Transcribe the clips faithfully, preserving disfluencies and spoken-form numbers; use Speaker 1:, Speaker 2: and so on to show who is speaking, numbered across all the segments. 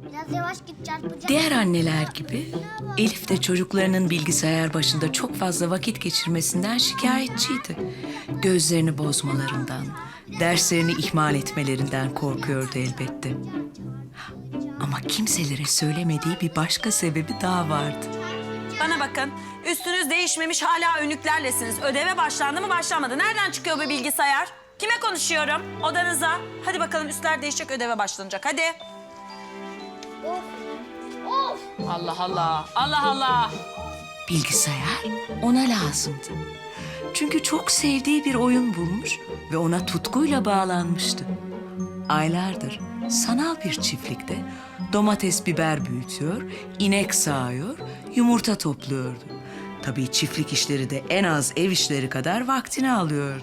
Speaker 1: Biraz yavaş git çarpacak.
Speaker 2: Diğer anneler gibi Elif de çocuklarının bilgisayar başında çok fazla vakit geçirmesinden şikayetçiydi. Gözlerini bozmalarından, derslerini ihmal etmelerinden korkuyordu elbette. Ama kimselere söylemediği bir başka sebebi daha vardı.
Speaker 3: Bana bakın, üstünüz değişmemiş hala önlüklerlesiniz. Ödeve başlandı mı başlamadı? Nereden çıkıyor bu bilgisayar? Kime konuşuyorum? Odanıza. Hadi bakalım üstler değişecek, ödeve başlanacak. Hadi.
Speaker 1: Of. Of.
Speaker 3: Allah Allah, Allah Allah.
Speaker 2: Bilgisayar ona lazımdı. Çünkü çok sevdiği bir oyun bulmuş ve ona tutkuyla bağlanmıştı. Aylardır sanal bir çiftlikte domates biber büyütüyor, inek sağıyor, yumurta topluyordu. Tabii çiftlik işleri de en az ev işleri kadar vaktini alıyordu.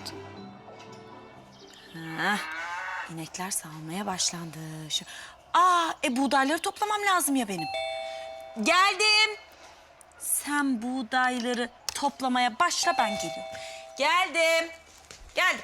Speaker 3: Heh, inekler sağılmaya başlandı. Şu... Aa, e buğdayları toplamam lazım ya benim. Geldim. Sen buğdayları toplamaya başla, ben geliyorum. Geldim. Geldim.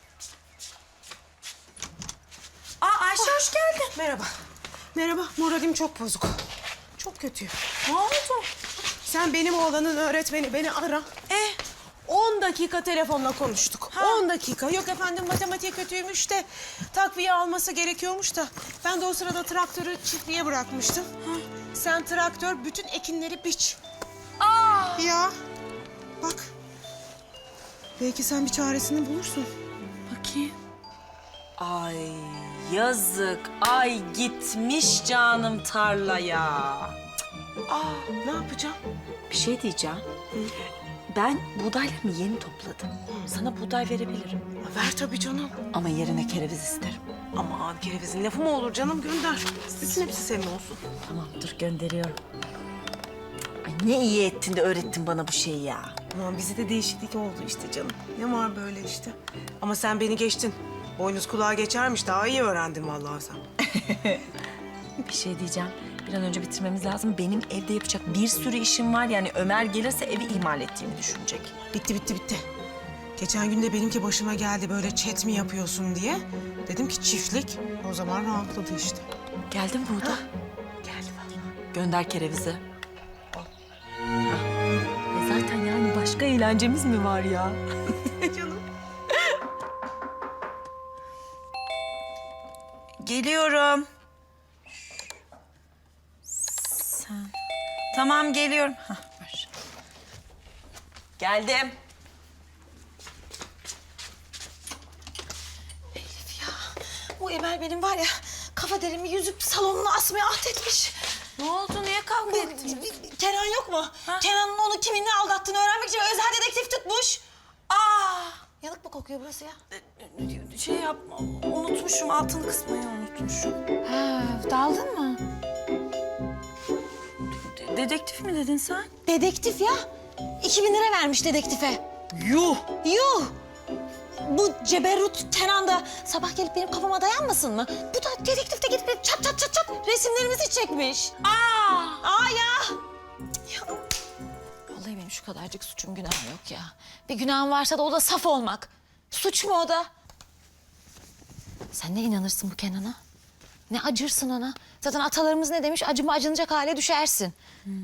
Speaker 3: Aa, Ayşe hoş geldin.
Speaker 4: Merhaba. Merhaba. Moralim çok bozuk. Çok kötü.
Speaker 3: Ne oldu?
Speaker 4: Sen benim oğlanın öğretmeni, beni ara.
Speaker 3: E,
Speaker 4: On dakika telefonla konuştuk. On dakika. Yok efendim matematiği kötüymüş de takviye alması gerekiyormuş da. Ben de o sırada traktörü çiftliğe bırakmıştım. Sen traktör bütün ekinleri biç.
Speaker 3: aa.
Speaker 4: Ya bak. Belki sen bir çaresini bulursun.
Speaker 3: Bakayım. Ay yazık. Ay gitmiş canım tarlaya.
Speaker 4: Aa, ne yapacağım?
Speaker 3: Bir şey diyeceğim. Ben buğdaylarımı yeni topladım. Sana buğday verebilirim.
Speaker 4: Ver tabii canım.
Speaker 3: Ama yerine kereviz isterim.
Speaker 4: Aman kerevizin lafı mı olur canım, gönder. Bütün hepsi senin olsun.
Speaker 3: Tamam dur gönderiyorum. Ay ne iyi ettin de öğrettin bana bu şeyi ya.
Speaker 4: Aman bize de değişiklik oldu işte canım. Ne var böyle işte. Ama sen beni geçtin. Boynuz kulağa geçermiş. Daha iyi öğrendin vallahi sen.
Speaker 3: Bir şey diyeceğim. Bir an önce bitirmemiz lazım. Benim evde yapacak bir sürü işim var. Yani Ömer gelirse evi ihmal ettiğimi düşünecek.
Speaker 4: Bitti bitti bitti. Geçen gün de benimki başıma geldi, böyle chat mi yapıyorsun diye. Dedim ki çiftlik. O zaman rahatladı işte.
Speaker 3: Geldi mi burada?
Speaker 4: Geldi vallahi.
Speaker 3: Gönder kerevizi. Hah. E zaten yani başka eğlencemiz mi var ya?
Speaker 4: Canım.
Speaker 3: Geliyorum. Sen... Tamam geliyorum. Hah, ver. Geldim.
Speaker 5: Bu Emel benim var ya, kafa derimi yüzüp salonuna asmaya ahdetmiş.
Speaker 3: Ne oldu? Niye kavga ettiniz?
Speaker 5: Kenan yok mu?
Speaker 3: Ha?
Speaker 5: Kenan'ın onu kiminle aldattığını öğrenmek için özel dedektif tutmuş.
Speaker 3: Aa!
Speaker 5: Yanık mı kokuyor burası ya?
Speaker 3: Şey yapma, unutmuşum. Altını kısmayı unutmuşum.
Speaker 5: Ha, daldın mı?
Speaker 3: De- dedektif mi dedin sen?
Speaker 5: Dedektif ya. İki bin lira vermiş dedektife.
Speaker 3: Yuh!
Speaker 5: Yuh! Bu ceberrut Kenan da sabah gelip benim kafama dayanmasın mı? Bu da dedektif de gidip çat çat çat çat resimlerimizi çekmiş.
Speaker 3: Aa!
Speaker 5: Aa ya! Ya. Vallahi benim şu kadarcık suçum günahım yok ya. Bir günahım varsa da o da saf olmak. Suç mu o da? Sen ne inanırsın bu Kenan'a? Ne acırsın ona? Zaten atalarımız ne demiş? Acıma acınacak hale düşersin.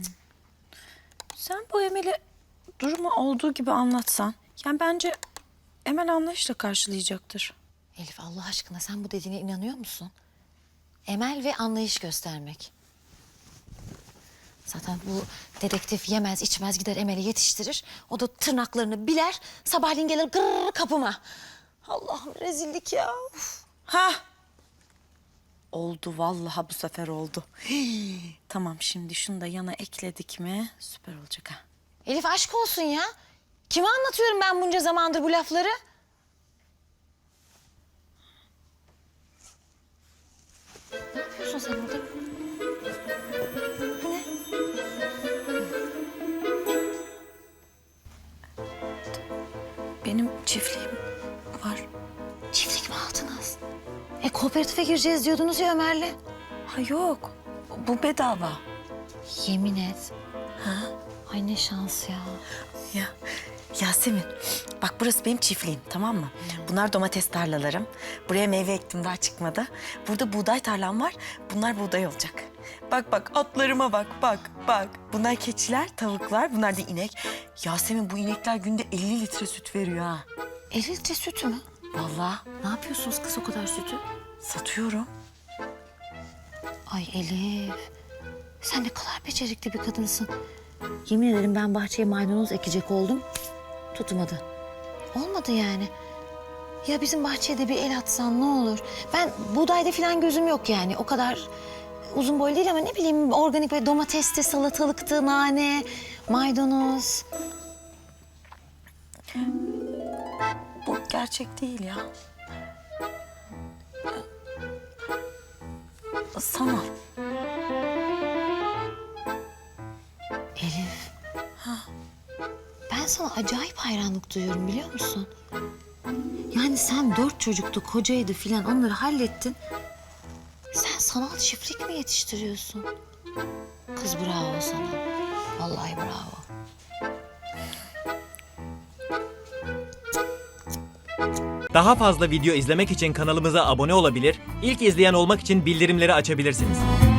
Speaker 3: Sen bu Emel'e durumu olduğu gibi anlatsan... Yani bence Emel anlayışla karşılayacaktır.
Speaker 5: Elif Allah aşkına sen bu dediğine inanıyor musun? Emel ve anlayış göstermek. Zaten bu dedektif yemez içmez gider Emel'i yetiştirir. O da tırnaklarını biler, sabahleyin gelir gırr kapıma. Allah'ım rezillik ya. Uf.
Speaker 3: Ha! Oldu vallahi bu sefer oldu. Hii. Tamam şimdi şunu da yana ekledik mi süper olacak ha.
Speaker 5: Elif aşk olsun ya. Kime anlatıyorum ben bunca zamandır bu lafları? Ne yapıyorsun sen orada? Bu ne?
Speaker 3: Benim çiftliğim var.
Speaker 5: Çiftlik mi aldınız? E kooperatife gireceğiz diyordunuz ya Ömer'le.
Speaker 3: Ha yok bu bedava.
Speaker 5: Yemin et. Ha? Ay ne şans ya.
Speaker 3: Ya Yasemin bak burası benim çiftliğim tamam mı? Bunlar domates tarlalarım. Buraya meyve ektim daha çıkmadı. Burada buğday tarlam var. Bunlar buğday olacak. Bak bak atlarıma bak bak bak. Bunlar keçiler, tavuklar, bunlar da inek. Yasemin bu inekler günde elli litre süt veriyor ha.
Speaker 5: elli litre sütü mü?
Speaker 3: Vallahi
Speaker 5: Ne yapıyorsunuz kız o kadar sütü?
Speaker 3: satıyorum.
Speaker 5: Ay Elif, sen ne kadar becerikli bir kadınsın. Yemin ederim ben bahçeye maydanoz ekecek oldum. Tutmadı. Olmadı yani. Ya bizim bahçeye de bir el atsan ne olur? Ben buğdayda falan gözüm yok yani. O kadar uzun boylu değil ama ne bileyim organik böyle domatesti, salatalıktı, nane, maydanoz.
Speaker 3: Bu gerçek değil ya. Sanal.
Speaker 5: Elif. Ben sana acayip hayranlık duyuyorum biliyor musun? Yani sen dört çocuktu, kocaydı filan onları hallettin. Sen sanal çiftlik mi yetiştiriyorsun? Kız bravo sana. Vallahi bravo.
Speaker 6: Daha fazla video izlemek için kanalımıza abone olabilir, ilk izleyen olmak için bildirimleri açabilirsiniz.